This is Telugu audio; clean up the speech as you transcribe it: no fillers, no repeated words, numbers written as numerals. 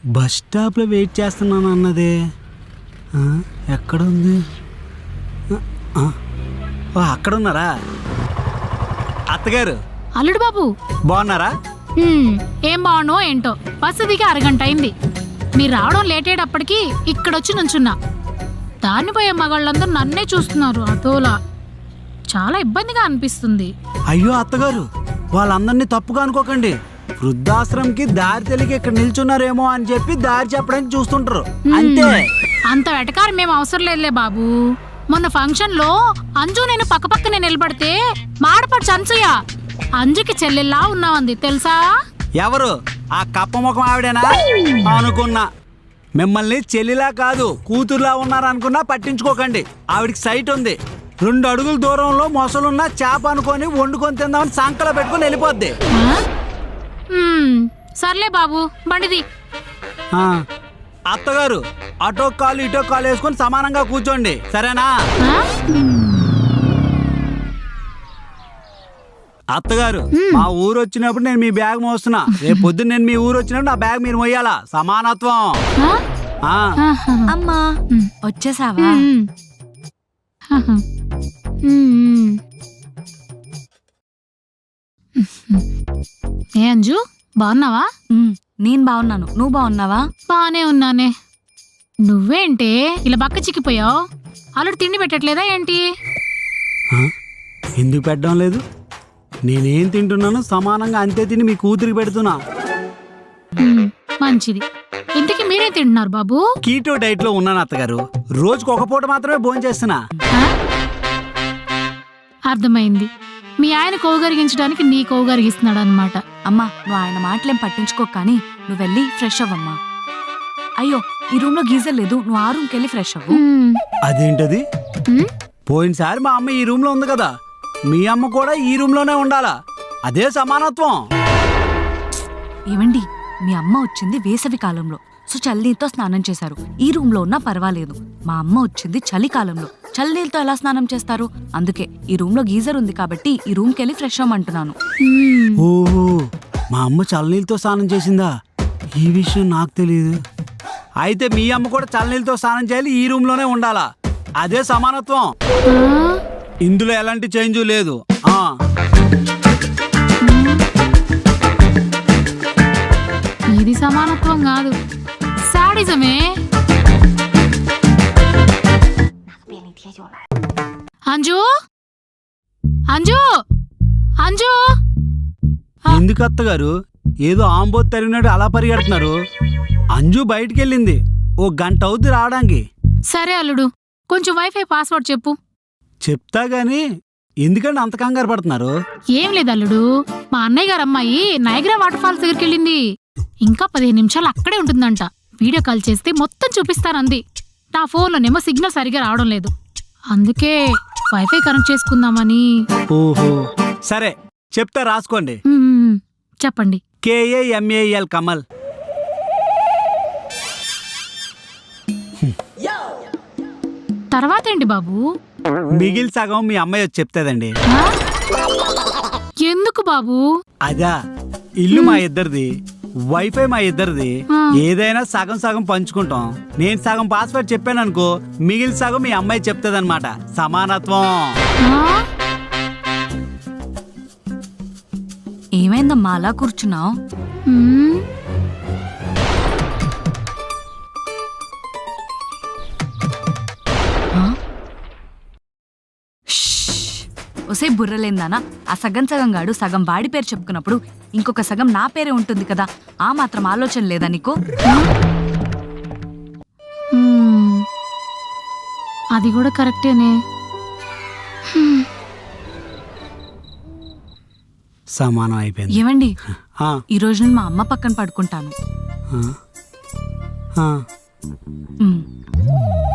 బస్ స్టాప్లో వెయిట్ చేస్తున్నాను అన్నదే ఎక్కడుంది? అక్కడ ఉన్నారా అత్తగారు? అల్లుడు బాబు బాగున్నారా? ఏం బాగుండో ఏంటో, బస్సు దిగి అరగంట అయింది. మీరు రావడం లేట్ అయ్యేటప్పటికి ఇక్కడొచ్చి నుంచున్నా. దాన్ని పోయే మగాళ్ళందరూ నన్నే చూస్తున్నారు. అదోలా చాలా ఇబ్బందిగా అనిపిస్తుంది. అయ్యో అత్తగారు, వాళ్ళందరినీ తప్పుగా అనుకోకండి. వృద్ధాశ్రమంకి దారి తెలియక ఇక్కడ నిల్చున్నారేమో అని చెప్పి దారి చెప్పడానికి చూస్తుంటారు అంతే. అంత వెటకారం మేము అవసరం లేదులే బాబు. మొన్న ఫంక్షన్ లో అంజు నేను పక్కనే నిలబడితే మాడపడి అంజుయ అంజుకి చెల్లెల్లా ఉన్నావంది తెలుసా? ఎవరు? ఆ కప్ప ముఖం ఆవిడేనా? అనుకున్నా. మిమ్మల్ని చెల్లిలా కాదు కూతురులా ఉన్నారనుకున్నా పట్టించుకోకండి. ఆవిడికి సైట్ ఉంది. 2 అడుగుల దూరంలో మొసలున్న చేప అనుకొని వండుకొని తిందామని సంకలో పెట్టుకుని వెళ్ళిపోద్ది. సర్లే బాబు, బండిది. అత్తగారు, అటో కాలు ఇటో కాలు వేసుకొని సమానంగా కూర్చోండి, సరేనా? అత్తగారు, మా ఊరు వచ్చినప్పుడు నేను మీ బ్యాగ్ మోస్తున్నా. రేపు పొద్దున్న నేను మీ ఊరు వచ్చినప్పుడు నా బ్యాగ్ మీరు మోయాలా. సమానత్వం. అమ్మా వచ్చేసావా? ఏ అంజు, బాగున్నావా? నేను బాగున్నాను, నువ్వు బాగున్నావా? బానే ఉన్నానే. నువ్వేంటే ఇలా బక్క చిక్కిపోయావు? అల్లుడు తిండి పెట్టట్లేదా ఏంటి? ఎందుకు పెట్టడం లేదు? నేనేం తింటున్నాను సమానంగా అంతే తిని మీ కూతురికి పెడుతున్నా. మంచిది. ఇంతకీ మీరేం తింటున్నారు బాబు? కీటో డైట్ లో ఉన్నాను అత్తగారు. రోజుకు ఒక పూట మాత్రమే భోజనం చేస్తున్నా. అర్థమైంది. మీ ఆయన కోగరిగించడానికి నీ కోగరిగిస్తున్నాడు అనమాట. అమ్మా, నువ్వు ఆయన మాటలేం పట్టించుకో, కానీ నువ్వు వెళ్ళి ఫ్రెష్ అవ్వమ్మా. అయ్యో, ఈ రూమ్ లో గీజర్ లేదు, నువ్వు ఆ రూమ్కి వెళ్ళి ఫ్రెష్ అవ్వు. అదేంటది? పోయినసారి మా అమ్మ ఈ రూమ్ లో ఉంది కదా, మీ అమ్మ కూడా ఈ రూమ్ లోనే ఉండాలా. అదే సమానత్వం. ఏమండి, మీ అమ్మ వచ్చింది వేసవి కాలంలో, సో చల్లనీళ్ళతో స్నానం చేశారు. ఈ రూమ్ లో ఉన్నా పర్వాలేదు. మా అమ్మ వచ్చింది చలికాలంలో, చల్లనీళ్ళతో ఎలా స్నానం చేస్తారు? అందుకే ఈ రూమ్ లో గీజర్ ఉంది కాబట్టి ఈ రూమ్ కెళ్ళి ఫ్రెష్ అవ్వమంటున్నాను. ఓహో, మా అమ్మ చల్లనీళ్ళతో స్నానం చేసిందా? ఈ విషయం నాకు తెలియదు. అయితే మీ అమ్మ కూడా చల్లనీళ్ళతో స్నానం చేయాలి, ఈ రూమ్ లోనే ఉండాలా. అదే సమానత్వం. ఇందులో ఎలాంటి చేంజ్ లేదు. ఇది సమానత్వం కాదు, సాడిజమే. అంజు, అంజు, అంజు. ఎందుకు అత్తగారు ఏదో ఆంబోత్ తరిగినట్టు అలా పరిగెడుతున్నారు? అంజు బయటికి వెళ్ళింది, 1 గంట అవుద్ది రావడానికి. సరే అల్లుడు, కొంచెం వైఫై పాస్వర్డ్ చెప్పు. చెప్తా గాని ఎందుకంటే అంత కంగారు పడుతున్నారు? ఏం లేదు అల్లుడు, మా అన్నయ్య గారు అమ్మాయి నయగ్రా వాటర్ ఫాల్స్ దగ్గరికి వెళ్ళింది. ఇంకా 15 నిమిషాలు అక్కడే ఉంటుందంట. వీడియో కాల్ చేస్తే మొత్తం చూపిస్తానంది. నా ఫోన్లోనేమో సిగ్నల్ సరిగా రావడం లేదు. అందుకే వైఫై కనెక్ట్ చేసుకుందామని. ఓహో, సరే చెప్తా, రాసుకోండి. చెప్పండి. KAMAL కమల్. తర్వాత ఏంటి బాబు? మిగిలి సగం మీ అమ్మాయి వచ్చి చెప్తాదండి. ఎందుకు బాబు? అదా, ఇల్లు మా ఇద్దరిది, వైఫై మా ఇద్దరిది. ఏదైనా సగం సగం పంచుకుంటాం. నేను సగం పాస్వర్డ్ చెప్పాను అనుకో, మిగిలిన సగం మీ అమ్మాయి చెప్తాదన్నమాట. సమానత్వం. ఏమైందమ్మా అలా కూర్చున్నావు? ఒసే బుర్రలేందానా, ఆ సగం గాడు సగం వాడి పేరు చెప్పుకున్నప్పుడు ఇంకొక సగం నా పేరే ఉంటుంది కదా. ఆ మాత్రం ఆలోచన లేదా నీకు? అది కూడా కరెక్టేనే. సమానం అయిపోయింది. ఏమండి, ఈ రోజు నేను మా అమ్మ పక్కన పడుకుంటాను.